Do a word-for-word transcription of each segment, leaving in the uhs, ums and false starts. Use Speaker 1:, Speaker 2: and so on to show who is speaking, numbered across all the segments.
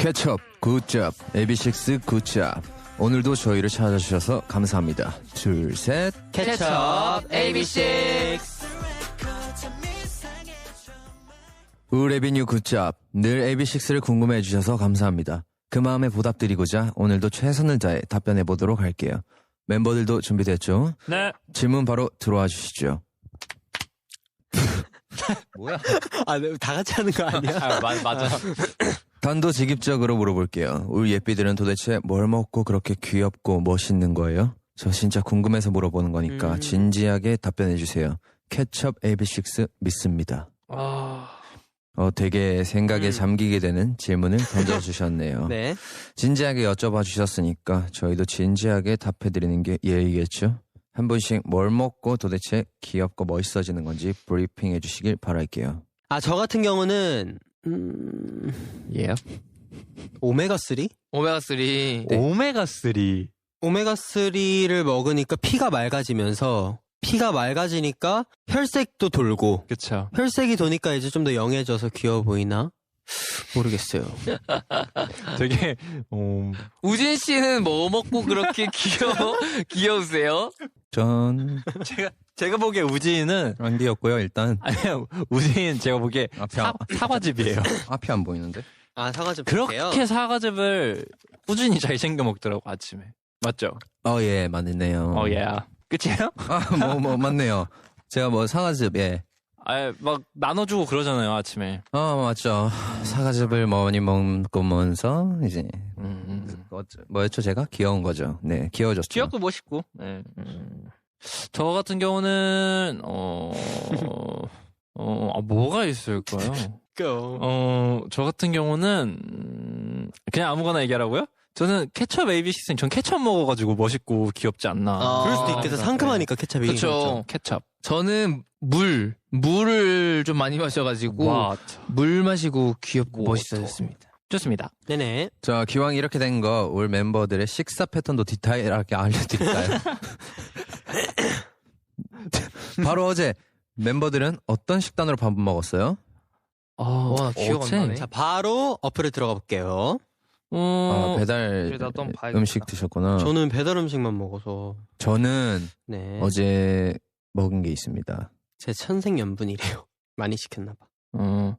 Speaker 1: 케첩 굿잡 에이비식스 굿잡. 오늘도 저희를 찾아주셔서 감사합니다. 둘 셋
Speaker 2: 케첩 에이비식스.
Speaker 1: 우레비뉴 굿잡. 늘 에이비식스를 궁금해 해주셔서 감사합니다. 그 마음에 보답드리고자 오늘도 최선을 다해 답변해보도록 할게요. 멤버들도 준비됐죠?
Speaker 3: 네.
Speaker 1: 질문 바로 들어와 주시죠.
Speaker 2: 뭐야?
Speaker 4: 아, 다 같이 하는 거 아니야?
Speaker 3: 아, 맞, 맞아.
Speaker 1: 단도직입적으로 물어볼게요. 우리 예삐들은 도대체 뭘 먹고 그렇게 귀엽고 멋있는 거예요? 저 진짜 궁금해서 물어보는 거니까
Speaker 4: 음.
Speaker 1: 진지하게 답변해주세요. 케첩 에이비식스 믿습니다.
Speaker 3: 아.
Speaker 1: 어, 되게 생각에
Speaker 4: 음.
Speaker 1: 잠기게 되는 질문을 던져주셨네요.
Speaker 4: 네.
Speaker 1: 진지하게 여쭤봐 주셨으니까 저희도 진지하게 답해드리는 게 예의겠죠? 한 분씩 뭘 먹고 도대체 귀엽고 멋있어지는 건지 브리핑 해주시길 바랄게요.
Speaker 4: 아, 저 같은 경우는, 음,
Speaker 2: 예.
Speaker 4: 오메가삼?
Speaker 2: 오메가삼.
Speaker 4: 네.
Speaker 3: 오메가삼.
Speaker 4: 오메가삼을 먹으니까 피가 맑아지면서, 피가 맑아지니까 혈색도 돌고,
Speaker 3: 그쵸.
Speaker 4: 혈색이 도니까 이제 좀 더 영해져서 귀여워 보이나? 모르겠어요.
Speaker 3: 되게, 어,
Speaker 2: 우진 씨는 뭐 먹고 그렇게 귀여워, 귀여우세요?
Speaker 1: 전
Speaker 3: 제가, 제가 보기에 우진은,
Speaker 1: 런디였고요. 일단
Speaker 3: 아니요, 우진 제가 보기에
Speaker 1: 앞이,
Speaker 3: 사,
Speaker 1: 안-
Speaker 3: 사과즙이에요.
Speaker 1: 앞이 안 보이는데?
Speaker 4: 아, 사과즙
Speaker 3: 그렇게 사과즙을 꾸준히 잘 챙겨 먹더라고, 아침에. 맞죠?
Speaker 1: 어, 예, 맞네요.
Speaker 3: 어, 예. 끝이에요?
Speaker 1: 아, 뭐, 뭐, 맞네요. 제가 뭐, 사과즙, 예.
Speaker 3: 아, 막 나눠주고 그러잖아요, 아침에.
Speaker 1: 어, 맞죠. 사과즙을 많이 먹으면서, 이제,
Speaker 3: 음, 음.
Speaker 1: 어, 뭐였죠, 제가? 귀여운 거죠. 네, 귀여워졌죠.
Speaker 3: 귀엽고 멋있고. 네. 저 같은 경우는, 어, 어, 아, 뭐가 있을까요? 어, 저 같은 경우는, 음, 그냥 아무거나 얘기하라고요? 저는 케첩 에이비식스는 전 케첩 먹어가지고 멋있고 귀엽지 않나.
Speaker 2: 아,
Speaker 4: 그럴 수도 있겠다. 상큼하니까 케찹이.
Speaker 2: 그쵸.
Speaker 3: 케첩.
Speaker 2: 저는 물, 물을 좀 많이 마셔가지고
Speaker 3: 와,
Speaker 2: 물 마시고 귀엽고
Speaker 3: 뭐,
Speaker 2: 멋있어졌습니다.
Speaker 3: 좋습니다.
Speaker 4: 네네.
Speaker 1: 자, 기왕 이렇게 된 거, 올 멤버들의 식사 패턴도 디테일하게 알려드릴까요? 바로 어제, 멤버들은 어떤 식단으로 밥 먹었어요?
Speaker 3: 아,
Speaker 2: 와, 기억 안 나네.
Speaker 4: 자, 바로 어플에 들어가 볼게요.
Speaker 3: 어,
Speaker 1: 아, 배달
Speaker 2: 그래, 나도 한번 봐야겠다.
Speaker 1: 음식 드셨구나.
Speaker 4: 저는 배달 음식만 먹어서.
Speaker 1: 저는
Speaker 4: 네.
Speaker 1: 어제 먹은 게 있습니다.
Speaker 4: 제 천생연분이래요. 많이 시켰나봐.
Speaker 3: 어,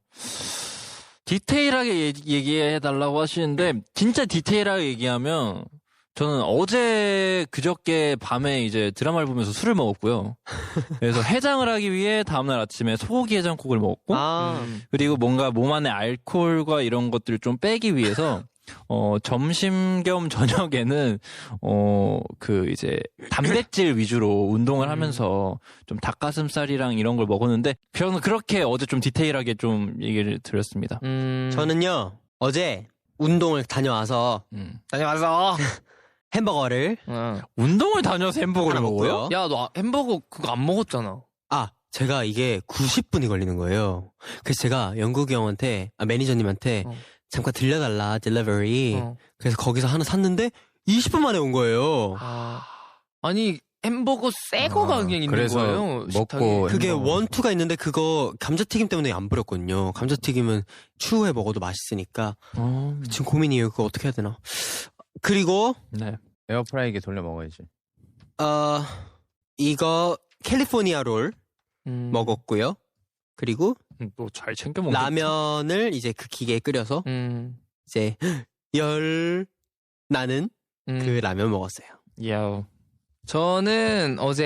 Speaker 3: 디테일하게 얘기, 얘기해달라고 하시는데, 진짜 디테일하게 얘기하면, 저는 어제 그저께 밤에 이제 드라마를 보면서 술을 먹었고요. 그래서 해장을 하기 위해 다음날 아침에 소고기 해장국을 먹었고,
Speaker 4: 아,
Speaker 2: 음.
Speaker 3: 그리고 뭔가 몸 안에 알코올과 이런 것들을 좀 빼기 위해서, 어, 점심 겸 저녁에는, 어, 그 이제 단백질 위주로 운동을 하면서 좀 닭가슴살이랑 이런 걸 먹었는데, 저는 그렇게 어제 좀 디테일하게 좀 얘기를 드렸습니다.
Speaker 2: 음.
Speaker 4: 저는요, 어제 운동을 다녀와서
Speaker 3: 음.
Speaker 2: 다녀와서.
Speaker 4: 햄버거를
Speaker 2: 어.
Speaker 3: 운동을 다녀서 햄버거를
Speaker 4: 하나
Speaker 3: 먹어요?
Speaker 4: 먹고요.
Speaker 2: 야, 너 햄버거 그거 안 먹었잖아.
Speaker 4: 아, 제가 이게 구십 분이 걸리는 거예요. 그래서 제가 영국이 형한테, 아, 매니저님한테
Speaker 2: 어.
Speaker 4: 잠깐 들려달라, 딜리버리.
Speaker 2: 어.
Speaker 4: 그래서 거기서 하나 샀는데 이십 분 만에 온 거예요.
Speaker 2: 아. 아니, 햄버거 새 거가
Speaker 1: 아,
Speaker 2: 그냥 있는
Speaker 1: 그래서
Speaker 2: 거예요.
Speaker 1: 먹고
Speaker 2: 식탁에.
Speaker 4: 그게
Speaker 1: 햄버거.
Speaker 4: 원투가 있는데 그거 감자튀김 때문에 안 버렸거든요. 감자튀김은 추후에 먹어도 맛있으니까.
Speaker 3: 어,
Speaker 4: 지금 고민이에요. 그거 어떻게 해야 되나. 그리고,
Speaker 3: 네.
Speaker 1: 에어프라이기에 돌려 먹어야지.
Speaker 4: 어, 이거 캘리포니아 롤
Speaker 2: 음.
Speaker 4: 먹었고요. 그리고
Speaker 3: 또 잘 챙겨 먹는
Speaker 4: 라면을 이제 그 기계에 끓여서
Speaker 2: 음.
Speaker 4: 이제 열 나는
Speaker 2: 음.
Speaker 4: 그 라면 먹었어요.
Speaker 3: 야,
Speaker 2: 저는 어제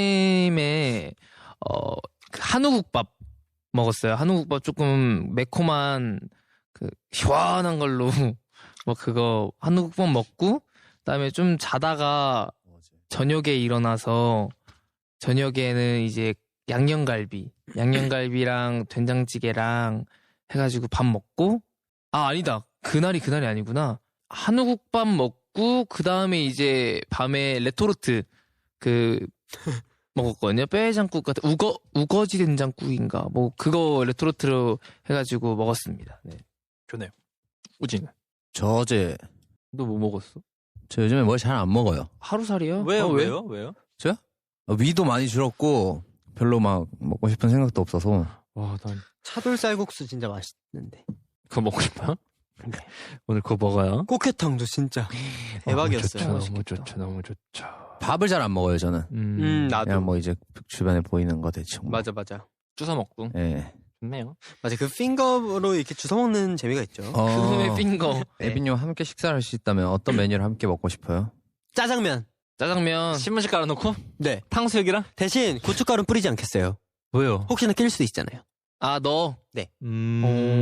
Speaker 2: 아침에 어, 그 한우국밥 먹었어요. 한우국밥 조금 매콤한 그 시원한 걸로 뭐 그거 한우국밥 먹고 그다음에 좀 자다가 저녁에 일어나서 저녁에는 이제 양념갈비, 양념갈비랑 된장찌개랑 해가지고 밥 먹고 아 아니다 그날이 그날이 아니구나 한우국밥 먹고 그 다음에 이제 밤에 레토르트 그 먹었거든요. 뼈해장국 같은 우거 우거지 된장국인가 뭐 그거 레토르트로 해가지고 먹었습니다. 네.
Speaker 3: 좋네요. 우진.
Speaker 1: 저 어제,
Speaker 2: 너 뭐 먹었어?
Speaker 1: 저 요즘에 뭘 잘 안 먹어요.
Speaker 2: 하루살이요?
Speaker 3: 왜요?
Speaker 2: 어, 왜?
Speaker 3: 왜요? 왜요?
Speaker 1: 저요? 어, 위도 많이 줄었고, 별로 막 먹고 싶은 생각도 없어서.
Speaker 3: 와, 난
Speaker 4: 차돌 쌀국수 진짜 맛있는데.
Speaker 3: 그거 먹고 싶어요? 오늘 그거 먹어요.
Speaker 4: 꽃게탕도 진짜 대박이었어요.
Speaker 3: 너무 좋죠, 너무 좋죠, 너무 좋죠.
Speaker 1: 밥을 잘 안 먹어요 저는.
Speaker 3: 음,
Speaker 4: 음, 나도.
Speaker 1: 그냥 뭐 이제 주변에 보이는 거 대충. 뭐.
Speaker 4: 맞아, 맞아.
Speaker 3: 주워 먹고
Speaker 1: 예.
Speaker 3: 좋네요.
Speaker 4: 맞아, 그 핑거로 이렇게 주워 먹는 재미가 있죠.
Speaker 2: 그놈의 핑거.
Speaker 1: 에비님 함께 식사를 할 수 있다면 어떤 메뉴를 함께 먹고 싶어요?
Speaker 4: 짜장면.
Speaker 2: 짜장면.
Speaker 3: 신문지 깔아놓고
Speaker 4: 네.
Speaker 3: 탕수육이랑
Speaker 4: 대신 고춧가루 뿌리지 않겠어요.
Speaker 3: 뭐요?
Speaker 4: 혹시나 낄 수도 있잖아요.
Speaker 2: 아, 너.
Speaker 3: 음,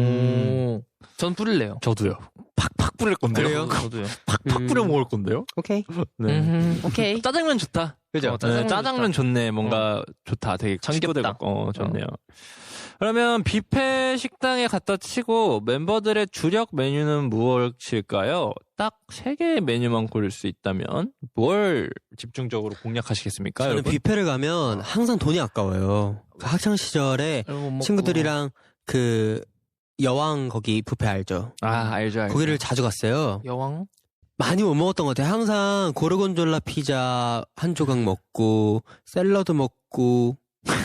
Speaker 2: 오. 전 뿌릴래요.
Speaker 3: 저도요. 팍팍 뿌릴 건데요.
Speaker 4: 그래요?
Speaker 2: 저도요.
Speaker 3: 팍팍
Speaker 2: 음.
Speaker 3: 뿌려 먹을 건데요.
Speaker 4: 오케이.
Speaker 3: 네.
Speaker 2: 음, 오케이.
Speaker 3: 짜장면 좋다.
Speaker 4: 그죠?
Speaker 2: 어,
Speaker 3: 네, 짜장면,
Speaker 2: 짜장면
Speaker 3: 좋네. 뭔가 좋다. 되게
Speaker 2: 정겹다.
Speaker 3: 친구들 같고 어, 좋네요. 그러면 뷔페 식당에 갖다 치고 멤버들의 주력 메뉴는 무엇일까요? 딱 세 개의 메뉴만 고를 수 있다면 뭘 집중적으로 공략하시겠습니까?
Speaker 4: 저는
Speaker 3: 여러분?
Speaker 4: 뷔페를 가면 항상 돈이 아까워요. 그 학창 시절에 친구들이랑 그 여왕 거기 뷔페 알죠?
Speaker 3: 아 알죠, 알죠.
Speaker 4: 거기를 자주 갔어요.
Speaker 2: 여왕?
Speaker 4: 많이 못 먹었던 것 같아요. 항상 고르곤졸라 피자 한 조각 먹고 샐러드 먹고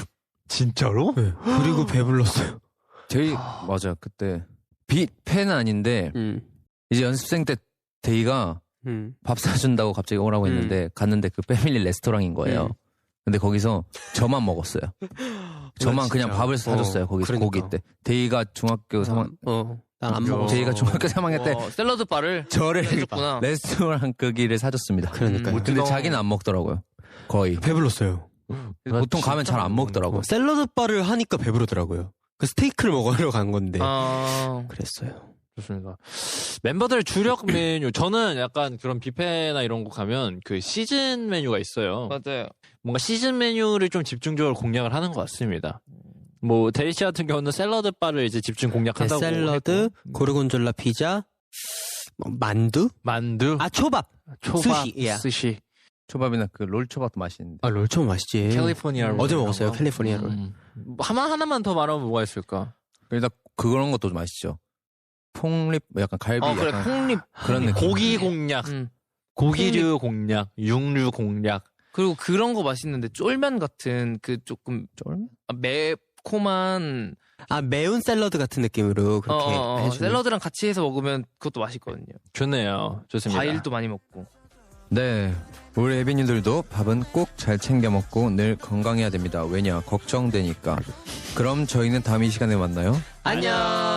Speaker 3: 진짜로?
Speaker 4: 네. 그리고 배불렀어요.
Speaker 1: 저희 맞아 그때 뷔페는 아닌데
Speaker 4: 음,
Speaker 1: 이제 연습생 때 데이가
Speaker 4: 음.
Speaker 1: 밥 사준다고 갑자기 오라고
Speaker 4: 음.
Speaker 1: 했는데 갔는데 그 패밀리 레스토랑인 거예요.
Speaker 4: 음.
Speaker 1: 근데 거기서 저만 먹었어요. 저만
Speaker 4: 진짜.
Speaker 1: 그냥 밥을 사줬어요.
Speaker 4: 어,
Speaker 1: 거기서
Speaker 4: 그러니까.
Speaker 1: 고기 때. 데이가 중학교 삼 학년
Speaker 4: 어, 난 안
Speaker 3: 야.
Speaker 4: 먹었어.
Speaker 1: 데이가 중학교 삼 학년 때
Speaker 2: 어, 샐러드 바를
Speaker 1: 저를
Speaker 2: 해줬구나.
Speaker 1: 레스토랑 끄기를 사줬습니다.
Speaker 4: 그러니까요.
Speaker 2: 음,
Speaker 1: 근데 자기는 안 먹더라고요. 거의.
Speaker 4: 배불렀어요.
Speaker 1: 보통 가면 잘 안 먹더라고요.
Speaker 4: 어, 샐러드 바를 하니까 배부르더라고요. 그 스테이크를 먹으러 간 건데
Speaker 2: 아,
Speaker 4: 그랬어요.
Speaker 3: 좋습니다. 멤버들 주력 메뉴 저는 약간 그런 뷔페나 이런 곳 가면 그 시즌 메뉴가 있어요.
Speaker 2: 맞아요.
Speaker 3: 뭔가 시즌 메뉴를 좀 집중적으로 공략을 하는 것 같습니다. 뭐 데이 씨 같은 경우는 샐러드 바를 이제 집중
Speaker 4: 네,
Speaker 3: 공략한다고
Speaker 4: 샐러드,
Speaker 3: 했고.
Speaker 4: 고르곤졸라 피자, 뭐, 만두,
Speaker 3: 만두,
Speaker 4: 아 초밥.
Speaker 3: 초밥,
Speaker 4: 스시, 예.
Speaker 3: 스시,
Speaker 1: 초밥이나 그 롤 초밥도 맛있는데.
Speaker 4: 아 롤초밥 맛있지.
Speaker 3: 캘리포니아 롤
Speaker 4: 어제
Speaker 3: 이런
Speaker 4: 먹었어요.
Speaker 3: 거.
Speaker 4: 캘리포니아 롤.
Speaker 3: 음. 뭐 하나 하나만 더 말하면 뭐가 있을까?
Speaker 1: 일단 그런 것도 맛있죠. 폭립 약간 갈비
Speaker 2: 어, 그래,
Speaker 1: 약간
Speaker 2: 콩립.
Speaker 1: 그런 느낌.
Speaker 3: 고기 공략,
Speaker 2: 음.
Speaker 3: 고기류 공략, 육류 공략.
Speaker 2: 그리고 그런 거 맛있는데 쫄면 같은 그 조금
Speaker 1: 쫄면?
Speaker 2: 아, 매콤한
Speaker 4: 아 매운 샐러드 같은 느낌으로 그렇게
Speaker 2: 어, 어, 어,
Speaker 4: 해주는.
Speaker 2: 샐러드랑 같이 해서 먹으면 그것도 맛있거든요.
Speaker 3: 좋네요. 좋습니다.
Speaker 2: 과일도 많이 먹고.
Speaker 1: 네. 우리 애비님들도 밥은 꼭 잘 챙겨 먹고 늘 건강해야 됩니다. 왜냐? 걱정되니까. 그럼 저희는 다음 이 시간에 만나요.
Speaker 2: 안녕.